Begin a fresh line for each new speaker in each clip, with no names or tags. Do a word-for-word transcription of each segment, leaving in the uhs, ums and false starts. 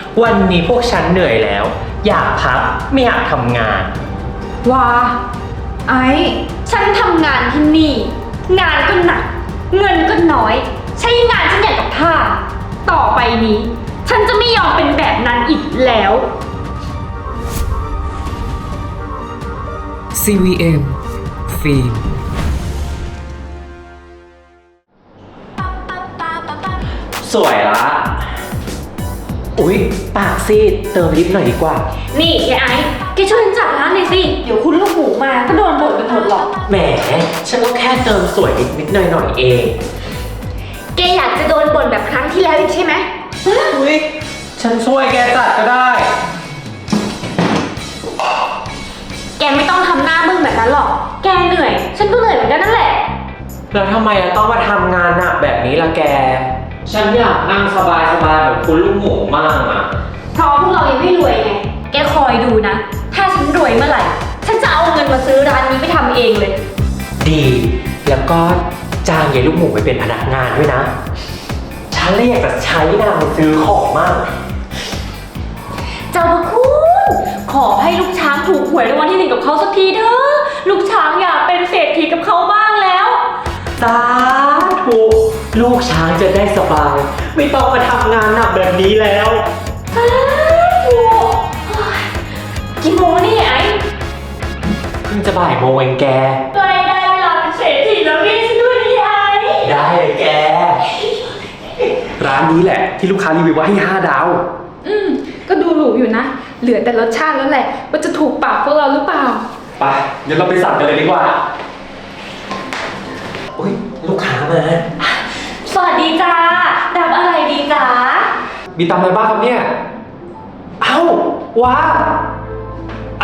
วันนี้พวกฉันเหนื่อยแล้ว อยากพักไม่อยากทำงาน
ว้าไอ้
ฉันทำงานที่นี่งานก็หนักเงินก็น้อยใช้งานฉันอย่างกับท่าต่อไปนี้ ฉันจะไม่ยอมเป็นแบบนั้นอีกแล้ว
ซี วี เอ็ม ฟิล์ม
สวยละอุ๊ยปากซีดเติมลิปหน่อยดีกว่า
นี่ยายไอ้แกช่วยฉันจัดร้านหน่อยสิเดี๋ยวคุณลูกหมูมาก็โดนบ่นไปหมดหรอก
แหมฉันก็แค่เติมสวยนิดนิดหน่อยหน่อยเอง
แกอยากจะโดนบ่นแบบครั้งที่แล้วอีกใช่ไหม
อุ๊ยฉันช่วยแกจัดก็ได้
แกไม่ต้องทำหน้ามึนแบบนั้นหรอกแกเหนื่อยฉันก็เหนื่อยเหมือนกันนั่นแหละ
แล้วทำไมต้องมาทำงานหนักแบบนี้ล่ะแกฉันอยากนั่งสบายสบายแบบคุณลูกหมูมากอะ
เพราะพวกเรายังไม่รวยไงแกคอยดูนะถ้าฉันรวยเมื่อไหร่ฉันจะเอาเงินมาซื้อร้านนี้ไปทำเองเลย
ดีแล้วก็จ้างยายลูกหมูไปเป็นพนักงานด้วยนะฉันเลยอยากจะใช้นางซื้อของมาก
เจ้าพระคุณขอให้ลูกช้างถูกหวยรางวัลที่หนึ่งกับเขาสักทีเถอะลูกช้างอยากเป็นเศรษฐีกับเขาบ้างแล้ว
สาธุลูกช้างจะได้สบายไม่ต้องมาทำงานหนักแบบนี้แล้ว
สาธุกี่โมงนี่ไอ้
เพิ่งจะบ่ายโมงเองแก
ก็ได้ได้เวลาเป็นเศรษฐีแล้วนี่ฉันด้วยนี่ไอ้
ได้เลยแก
ร้านนี้แหละที่ลูกค้ารีวิวว่าให้ห้าดาว
อืมก็ดูหรูอยู่นะเหลือแต่รสชาติแล้วแหละว่าจะถูกปากพวกเราหรือเปล่า
ไปเดี๋ยวเราไปสั่งกันเลยดีกว่า
อุ๊ยลูกค้ามา
สวัสดีจ้ารับอะไรดีจ้า
มีตำอะไรบ้างครับเนี่ย
เอ้าว้าไอ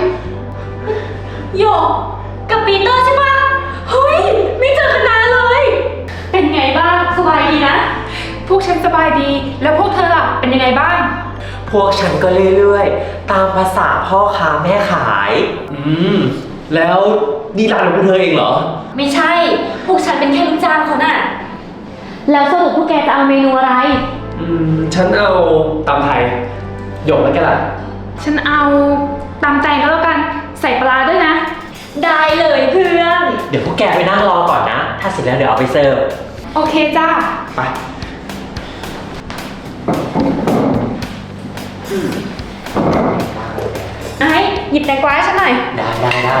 โยกกับปีเตอร์ใช่ปะเฮ้ยไม่เจอกันนานเลยเป็นไงบ้างสบายดีนะ
พวกฉันสบายดีแล้วพวกเธอล่ะเป็นยังไงบ้าง
พวกฉันก็เรื่อยๆตามภาษาพ่อค้าแม่ขาย
อืมแล้วนี่ร้านของพวกเธอเองเหรอ
ไม่ใช่พวกฉันเป็นแค่ลูกจ้างเขาน่ะแล้วสรุปพวกแกจะเอาเมนูอะไร
อืมฉันเอาตำไทยหยกแล้วแกล่ะ
ฉันเอาตำแตงก็แล้วกันใส่ปลาด้วยนะ
ได้เลยเพื่อน
เดี๋ยวพวกแกไปนั่งรอก่อนนะถ้าเสร็จแล้วเดี๋ยวเอาไปเสิร์ฟ
โอเคจ้า
ไป
ไอ้หยิบแตงกวาให้ฉันหน่อย
ได้ได้ได้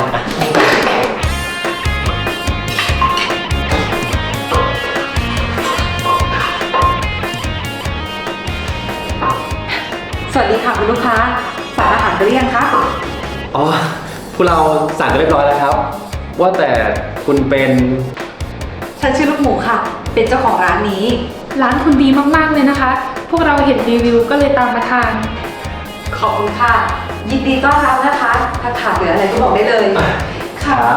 สวัสดีค่ะคุณลูกค้าสั่งอาหารไปหรือยังคะ
อ๋อพวกเราสั่งกันเรียบร้อยแล้วครับว่าแต่คุณเป็น
ฉันชื่อลูกหมูค่ะเป็นเจ้าของร้านนี้ร้านคุณดีมากๆเลยนะคะพวกเราเห็นรีวิวก็เลยตามมาทานขอบคุณค่ะยินดีต้อนรับนะคะถ้าขาดเหลืออะไรก็บอกได้เลย
ครับ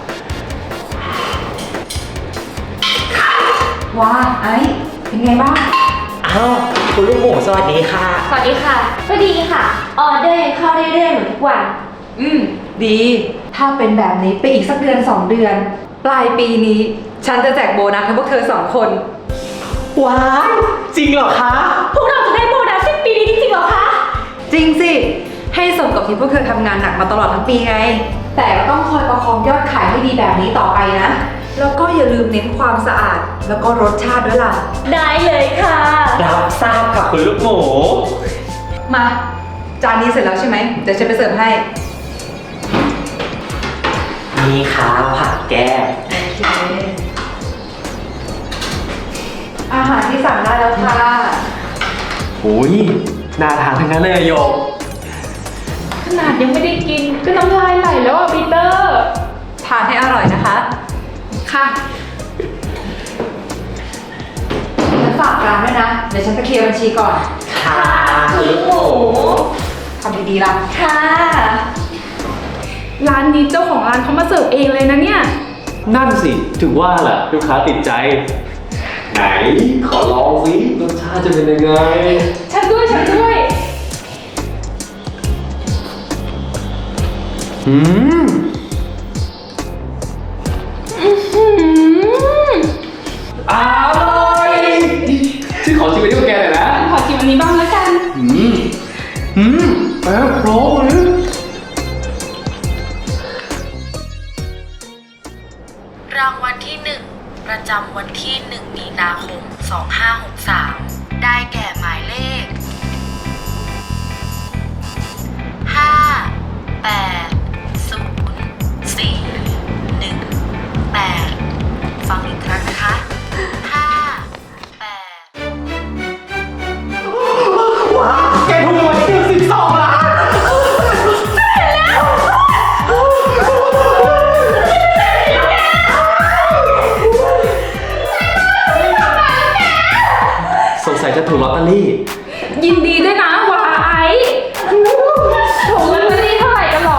ว้าไอ้เป็นไงบ้าง
อ้าวคุณลูกหมูสวัสดีค่ะ
สวัสดีค่ะก็ดีค่ะออเดอร์ยังเข้าเรื่อยๆเหมือนทุกวัน
อืมดีถ้าเป็นแบบนี้ไปอีกสักเดือนสองเดือนปลายปีนี้ฉันจะแจกโบนัสให้พวกเธอสองคน
ว้าวจริงเหรอคะ
พวกเราจะได้โบนัสสิ้นปีนี้จริงๆเหรอคะ
จริงสิให้สมกับที่พวกเธอทำงานหนักมาตลอดทั้งปีไงแต่ก็ต้องคอยประคองยอดขายให้ดีแบบนี้ต่อไปนะแล้วก็อย่าลืมเน้นความสะอาดแล้วก็รสชาติด้วยล่ะ
ได้เลยค่ะ
รับทราบค่ะคุณลูกหมู
มาจานนี้เสร็จแล้วใช่ไหมเดี๋ยวฉันไปเสิร์ฟให้
นี่ค่ะผักแก้ม
โอเคอาหารที่สั่งได้แล้วค่ะ
โอ้ยน่าทานทั้งนั้นเลยโยก
ขนาดยังไม่ได้กินก็น้ำลายไหลแล้วอ่ะปีเตอร์ทานให้อร่อยนะคะค่ะฉันฝากร้านด้วยนะเดี๋ยวฉันไปเคลียร์บัญชีก่อน
ค่ะคุณลูกหมู
ทำดีๆล่ะ
ค่ะ
ร้านนี้เจ้าของร้านเขามาเสิร์ฟเองเลยนะเนี่ย
นั่นสิถึงว่าแหละลูกค้าติดใจไหนขอลองสิรสชาติจะเป็นยังไง
ฉันด้วยฉันด้วย
อืมอร่อยที่ขอชิมไปที่แกหน่อยนะ
ขอชิมอันนี้บ้างแล้วกัน
อืม
รางวัลที่หนึ่งประจำวันที่หนึ่งมีนาคมสองห้าหกสามได้แก่หมายเลขห้าแปดศูนย์สี่หนึ่งแปดฟังอีกครั้งนะคะห้าแปด
ว้าวแกถูกรางวัลที่หนึ่งสิบสองล้าน
สงสัยจะถูกลอตเตอรี่
ยินดีด้วยนะวาไอซ์ถูกลอตเตอรี่เท่าไหร่กันหรอ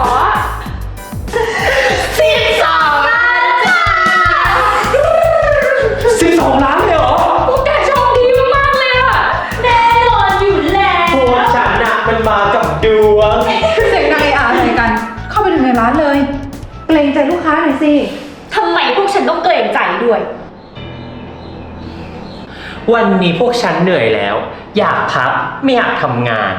สิบสองล้านจ้า
สิบสองล้านเลยเหรอ
พวกแกโชคดีมากๆเลยอะ
แน่นอนอยู่แล้ว
พวกฉันน่ะมันมากับดวง
เสียงดังไอ้อาอะไรกัน เข้าไปถึงในร้านเลย เกรงใจลูกค้าหน่อยสิ
ทำไมพวกฉันต้องเกรงใจด้วย
วันนี้พวกฉันเหนื่อยแล้ว อยากพักไม่อยากทำงาน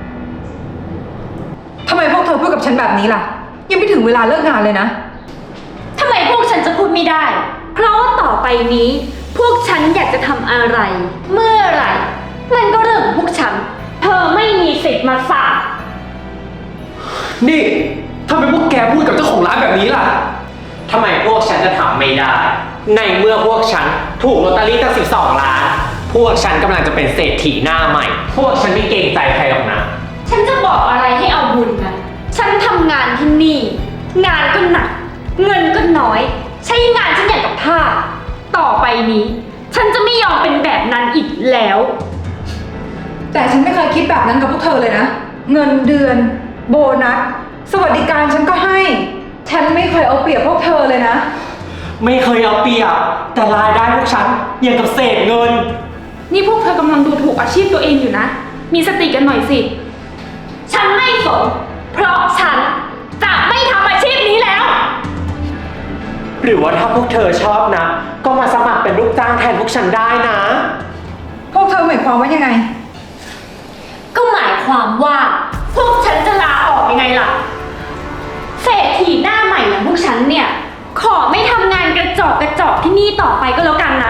ทำไมพวกเธอพูดกับฉันแบบนี้ล่ะ ยังไม่ถึงเวลาเลิกงานเลยนะ
ทำไมพวกฉันจะพูดไม่ได้ เพราะว่าต่อไปนี้ พวกฉันอยากจะทำอะไร เมื่อไหร่ มันก็เรื่องของพวกฉัน เธอไม่มีสิทธิ์มาสั่ง
นี่ทำไมพวกแกพูดกับเจ้าของร้านแบบนี้ล่ะ
ทำไมพวกฉันจะทำไม่ได้ ในเมื่อพวกฉันถูกลอตเตอรี่ตั้งสิบสองล้าน พวกฉันกำลังจะเป็นเศรษฐีหน้าใหม่ พวกฉันไม่เกรงใจใครหรอกนะ
ฉันจะบอกอะไรให้เอาบุญนะ ฉันทำงานที่นี่ งานก็หนัก เงินก็น้อย ใช้งานฉันอย่างกับทาสต่อไปนี้ ฉันจะไม่ยอมเป็นแบบนั้นอีกแล้ว
แต่ฉันไม่เคยคิดแบบนั้นกับพวกเธอเลยนะ เงินเดือน โบนัส สวัสดิการฉันก็ให้ ฉันไม่เคยเอาเปรียบพวกเธอเลยนะ
ไม่เคยเอาเปรียบ แต่รายได้พวกฉันอย่างกับเศษเงิน
นี่พวกเธอกำลังดูถูกอาชีพตัวเองอยู่นะ มีสติกันหน่อยสิ
ฉันไม่สน เพราะฉันจะไม่ทำอาชีพนี้แล้ว
หรือว่าถ้าพวกเธอชอบนะ ก็มาสมัครเป็นลูกจ้างแทนพวกฉันได้นะ
พวกเธอหมายความว่ายังไง
ก็หมายความว่า พวกฉันจะลาออกยังไงล่ะ เศรษฐีหน้าใหม่อย่างพวกฉันเนี่ย ขอไม่ทำงานกระจอกกระจอกที่นี่ต่อไปก็แล้วกันนะ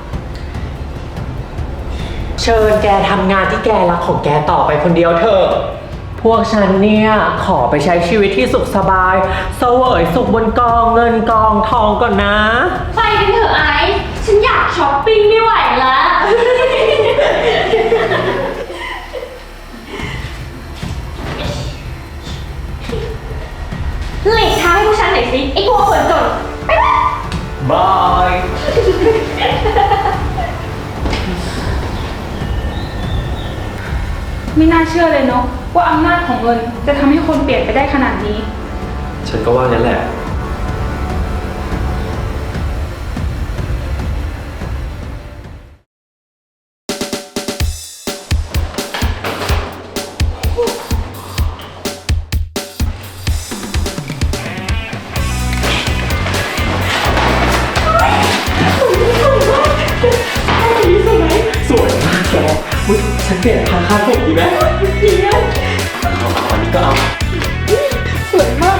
เชิญแกทำงานที่แกรักของแกต่อไปคนเดียวเถอะ พวกฉันเนี่ยขอไปใช้ชีวิตที่สุขสบายเสวยสุขบนกองเงินกองทองก่อนนะ
ไปกันเถอะไอซ์ฉันอยากช้อปปิ้งไม่ไหวแล้ว หลีกทางให้พวกฉันหน่อยสิไอ้พวกคนจนไปไป
บาย
ไม่น่าเชื่อเลยเนาะว่าอำนาจของเงินจะทำให้คนเปลี่ยนไปได้ขนาดนี้
ฉันก็ว่างั้นแหละ
สวยมากแกอุ๊ยฉันเปลี่ยนทางค่าผมดีไหมดีนะเอามาวันนี้ก็เอา
สวยมาก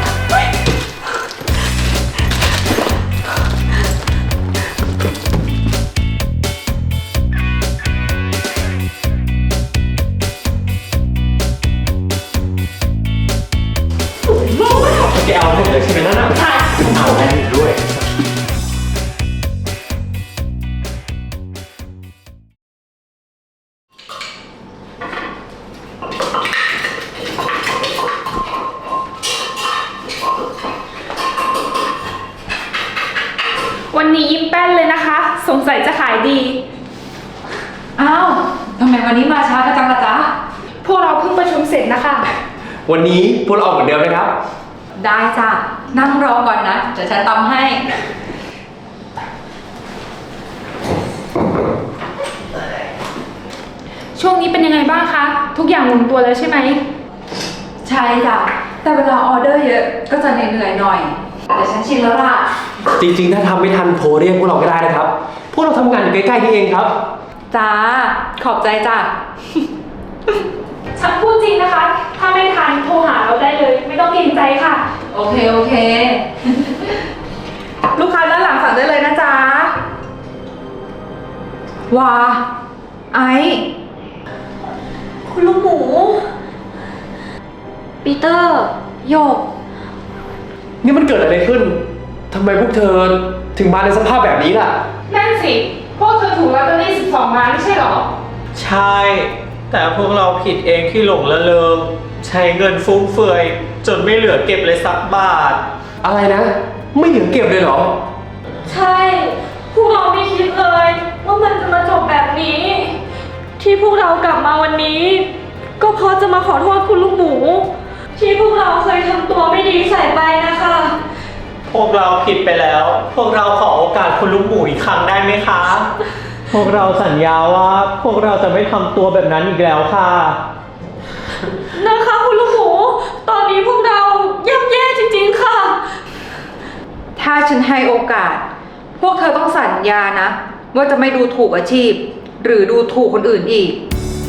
แกเอาหมดเลยใช่ไหมนั่นน่ะใช่เอาได้ด้วย
วันนี้ยิ้มแป้นเลยนะคะ สงสัยจะขายดี อ้าวทำไมวันนี้มาช้ากันจังล่ะจ๊ะ พวกเราเพิ่งประชุมเสร็จนะคะ
วันนี้พวกเราออกเหมือนเดิมนะครับ
ได้จ้ะ นั่งรอก่อนนะเดี๋ยวฉันตำให้ ช่วงนี้เป็นยังไงบ้างคะ ทุกอย่างลงตัวแล้วใช่ไหม ใช่จ้ะ แต่เวลาออเดอร์เยอะก็จะเหนื่อยๆหน่อย แต่ฉันชินแล้วล่ะ
จริงๆ ถ้าทำไม่ทันโทรเรียกพวกเราก็ได้นะครับ พวกเราทำงานอยู่ใกล้ๆนี่เองครับ
จ้า ขอบใจจ้ะ ฉันพูดจริงนะคะ ถ้าไม่ทันโทรหาเราได้เลย ไม่ต้องเกรงใจค่ะ โอเค โอเค ลูกค้าด้านหลังสั่งได้เลยว้า ไอ้
คุณลูกหมู ปีเตอร์โยก
นี่มันเกิดอะไรขึ้น ทำไมพวกเธอถึงมาในสภาพแบบนี้ล่ะ
นั่นสิ พวกเธอถูกลอตเตอรี่สิบสองล้านไม่ใช่เหรอ
ใช่ แต่พวกเราผิดเองที่หลงละเริงใช้เงินฟุ่มเฟือย จนไม่เหลือเก็บเลยสักบาท
อะไรนะ ไม่เหลือเก็บเลยเหรอ
ใช่ พวกเราไม่คิดเลย ว่ามันจะมาจบแบบนี้ ที่พวกเรากลับมาวันนี้ ก็เพราะจะมาขอโทษคุณลูกหมู ที่พวกเราเคยทำตัวไม่ดีใส่ไปนะคะ
พวกเราผิดไปแล้ว พวกเราขอโอกาสคุณลูกหมูอีกครั้งได้ไหมคะ พวกเราสัญญาว่า พวกเราจะไม่ทำตัวแบบนั้นอีกแล้วค่ะ
นะคะคุณลูกหมู ตอนนี้พวกเราย่ำแย่จริงๆค่ะ
ถ้าฉันให้โอกาส พวกเธอต้องสัญญานะ ว่าจะไม่ดูถูกอาชีพ หรือดูถูกคนอื่นอีก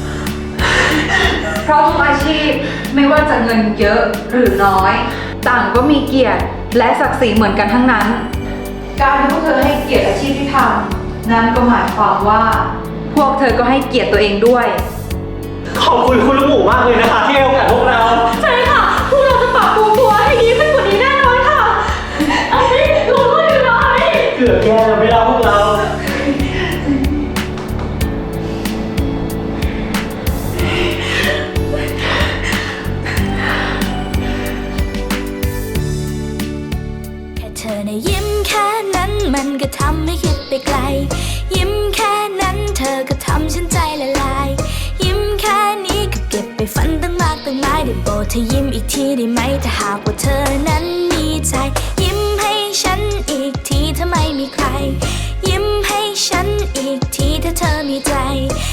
เพราะทุกอาชีพไม่ว่าจะเงินเยอะหรือน้อย ต่างก็มีเกียรติและศักดิ์ศรีเหมือนกันทั้งนั้น การที่พวกเธอให้เกียรติอาชีพที่ทำนั้นก็หมายความว่า พวกเธอก็ให้เกียรติตัวเองด้วย
ขอบคุณคุณลูกหมูมากเลยนะคะ ที่ให้โอกาสพวกเรา
ใช่ค่ะ พวกเราจะปรับปรุงตัวให้ดีขึ้นกว่านี้แน่นอนค่ะไอ้ลงโทษกันหน่อย
เกือบแย่แล้วไม่เล่าพวกเรา
แค่เธอในะยิ้มแค่นั้นมันก็ทำให้คิดไปไกล ยิ้มแค่นั้นเธอก็ทำฉันใจละลาย ยิ้มแค่นี้ก็เก็บไปฝันตั้งมากตั้งหลายได้โปรดเธอยิ้มอีกทีได้ไหมถ้าหากว่าเธอนั้นมีใจ ยิ้มให้ฉันอีกทีถ้าไม่มีใคร ยิ้มให้ฉันอีกทีถ้าเธอมีใจ